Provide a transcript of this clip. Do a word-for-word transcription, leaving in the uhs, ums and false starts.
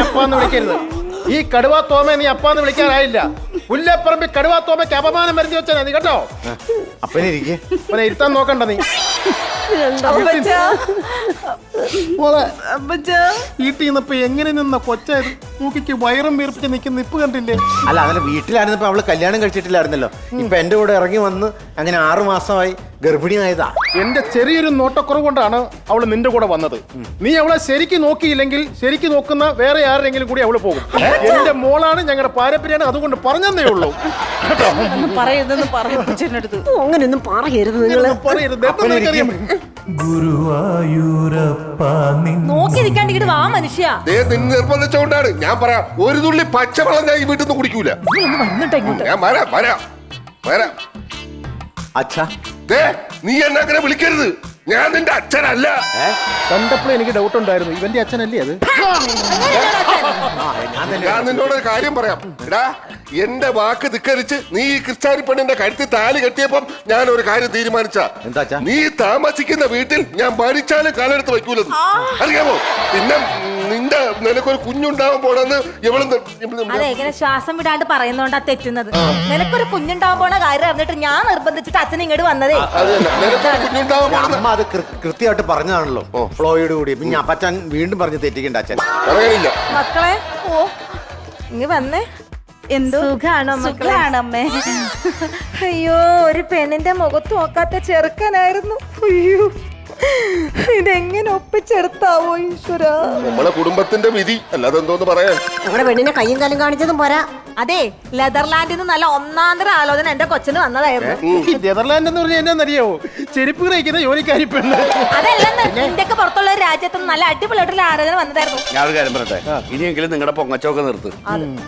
അപ്പാന്ന് വിളിക്കരുത്. ഈ കടുവാ തോമ നീ അപ്പാന്ന് വിളിക്കാനായില്ല. പുല്ലപ്പറമ്പി കടുവാ തോമയ്ക്ക് അപമാനം വരുത്തി വെച്ചാ നീ കേട്ടോ. അപ്പനെ ഇരിക്കേ, അപ്പനെ ഇരുത്താൻ നോക്കണ്ട നീ. വീട്ടിൽ നിന്നപ്പോ എങ്ങനെ നിന്ന കൊച്ചായത് മൂക്കിക്ക് വയറും വീർപ്പിച്ച് നിൽക്കുന്ന ഇപ്പ് കണ്ടില്ലേ? അല്ല അതല്ല, വീട്ടിലായിരുന്നപ്പോ അവള് കല്യാണം കഴിച്ചിട്ടില്ലായിരുന്നല്ലോ. ഇപ്പൊ എന്റെ കൂടെ ഇറങ്ങി വന്ന് അങ്ങനെ ആറു മാസമായി ഗർഭിണിയായതാ. എന്റെ ചെറിയൊരു നോട്ടക്കുറവ് കൊണ്ടാണ് അവള് നിന്റെ കൂടെ വന്നത്. നീ അവളെ ശരിക്ക് നോക്കിയില്ലെങ്കിൽ ശരിക്ക് നോക്കുന്ന വേറെ ആരെങ്കിലും കൂടി അവള് പോകും. എന്റെ മോളാണ്, ഞങ്ങളുടെ പാരമ്പര്യമാണ്, അതുകൊണ്ട് പറഞ്ഞതേ ഉള്ളൂ. പറയരുതെന്ന് പറഞ്ഞടുത്ത് അങ്ങനെയൊന്നും പറയരുത് നിങ്ങള്. പറയരുത്. നോക്കി നിൽക്കാണ്ടിട്ട് വാ മനുഷ്യ. നിർബന്ധിച്ചുകൊണ്ടാണ് ഞാൻ പറയാം. ഒരു തുള്ളി പച്ചവെള്ളം ഞാൻ ഈ വീട്ടിൽ നിന്ന് കുടിക്കൂല. ഞാൻ വരാം വരാം വരാം. അച്ഛാ, നീ എന്നെ അങ്ങനെ വിളിക്കരുത്. ഞാൻ നിന്റെ അച്ഛനല്ല. കണ്ടപ്പോൾ എനിക്ക് ഡൗട്ട് ഉണ്ടായിരുന്നു, ഇവന്റെ അച്ഛനല്ലേ അത്? ഞാൻ നിന്നോട് ഒരു കാര്യം പറയാം. എടാ, എന്റെ വാക്ക് ധിക്കരിച്ച് നീ ഈ ക്രിസ്ത്യാനി പെണ്ണിന്റെ കഴുത്തിൽ താലി കെട്ടിയപ്പം ഞാൻ ഒരു കാര്യം തീരുമാനിച്ച. എന്താ? നീ താമസിക്കുന്ന വീട്ടിൽ ഞാൻ മരിച്ചാലും കാലെടുത്ത് വയ്ക്കൂലെന്ന് അറിയാമോ? പിന്നെ നിന്റെ നിനക്കൊരു കുഞ്ഞുണ്ടാവാൻ പോണെന്ന് എവള് അതെ, ഇങ്ങനെ ശ്വാസം വിടാണ്ട് പറയുന്നോണ്ടാ തെറ്റുന്നത്. നിനക്കൊരു കുഞ്ഞുണ്ടാവാൻ പോണ കാര്യം അറിഞ്ഞിട്ട് ഞാൻ നിർബന്ധിച്ചിട്ട് അച്ഛൻ ഇങ്ങോട്ട് വന്നതേ. കുഞ്ഞുണ്ടാവാൻ പോണെന്ന് അമ്മ അത് കൃത്യമായിട്ട് പറഞ്ഞതാണല്ലോ ഫ്ലോയോട് കൂടി. പിന്നെ അപ്പച്ചൻ വീണ്ടും പറഞ്ഞ് തെറ്റിക്കണ്ട അച്ഛൻ. പറയാനില്ല മക്കളെ. ഓ ഇങ്ങ് വന്നേ. എന്തോ സുഖാണോ? സുഖാണമ്മേ. അയ്യോ, ഒരു പെണ്ണിന്റെ മുഖത്ത് നോക്കാത്ത ചെറുക്കനായിരുന്നു. അയ്യോ, ഇതെങ്ങനെ ഒപ്പിച്ചെടുത്താവോ ഈശ്വര. നമ്മളെ കുടുംബത്തിന്റെ വിധി അല്ലാതെ എന്തോന്ന് പറയാൻ. നമ്മുടെ പെണ്ണിനെ കയ്യും കാലും കാണിച്ചതും പോരാ. അതെ, നെതർലാൻഡിൽ നിന്ന് നല്ല ഒന്നാന്തര ആലോചന എന്റെ കൊച്ചിന് വന്നതായിരുന്നു. നെതർലാൻഡ് എന്ന് പറഞ്ഞാൽ എന്നാന്നറിയാവോ? ചെരുപ്പ് കഴിക്കുന്ന ജോലിക്കാരി പെണ്ണ്. അതല്ലെന്ന്, ഇന്ത്യക്ക് പുറത്തുള്ള ഒരു രാജ്യത്ത് നല്ല അടിപൊളിയായിട്ടുള്ള ആലോചന വന്നതായിരുന്നു. ഞാൻ ഒരു കാര്യം പറയട്ടെ, ഇനിയെങ്കിലും നിങ്ങളുടെ പൊങ്ങച്ചൊക്കെ നിർത്ത്.